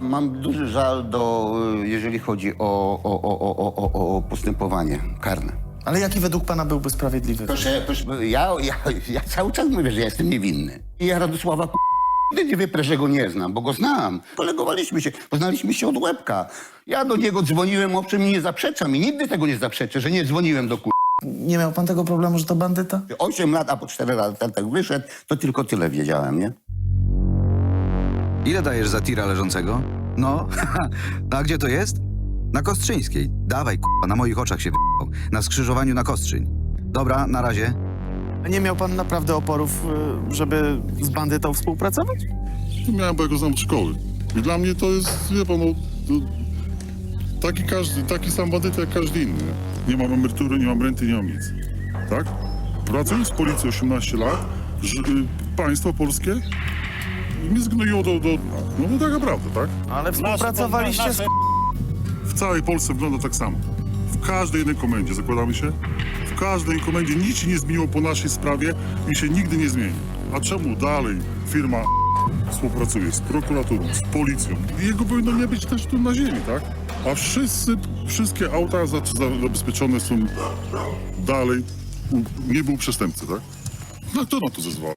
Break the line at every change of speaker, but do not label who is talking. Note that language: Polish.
Mam duży żal jeżeli chodzi o postępowanie karne.
Ale jaki według pana byłby sprawiedliwy?
Proszę, ja cały czas mówię, że ja jestem niewinny. I ja Radosława nigdy nie wyprę, że go nie znam, bo go znam. Kolegowaliśmy się, poznaliśmy się od łebka. Ja do niego dzwoniłem, owszem, i nie zaprzeczam i nigdy tego nie zaprzeczę, że nie dzwoniłem do
Nie miał pan tego problemu, że to bandyta?
8 lat, a po 4 latach wyszedł, to tylko tyle wiedziałem, nie?
Ile dajesz za tira leżącego? No, a gdzie to jest? Na Kostrzyńskiej. Dawaj, k***a, na moich oczach się w***ał. Na skrzyżowaniu na Kostrzyń. Dobra, na razie.
A nie miał pan naprawdę oporów, żeby z bandytą współpracować?
To miałem, bo ja go znam od szkoły. I dla mnie to jest, wie pan, no, taki sam bandyta jak każdy inny. Nie mam emerytury, nie mam renty, nie mam nic. Tak? Pracując w policji 18 lat, państwo polskie mnie zgnoiło no to taka prawda, tak?
Ale współpracowaliście z...
W całej Polsce wygląda tak samo. W każdej jednej komendzie, zakładamy się, w każdej komendzie nic się nie zmieniło po naszej sprawie i się nigdy nie zmieni. A czemu dalej firma współpracuje z prokuraturą, z policją? Jego powinno nie być też tu na ziemi, tak? A wszystkie auta zabezpieczone są dalej, nie był przestępcy, tak? No kto na to zezwala?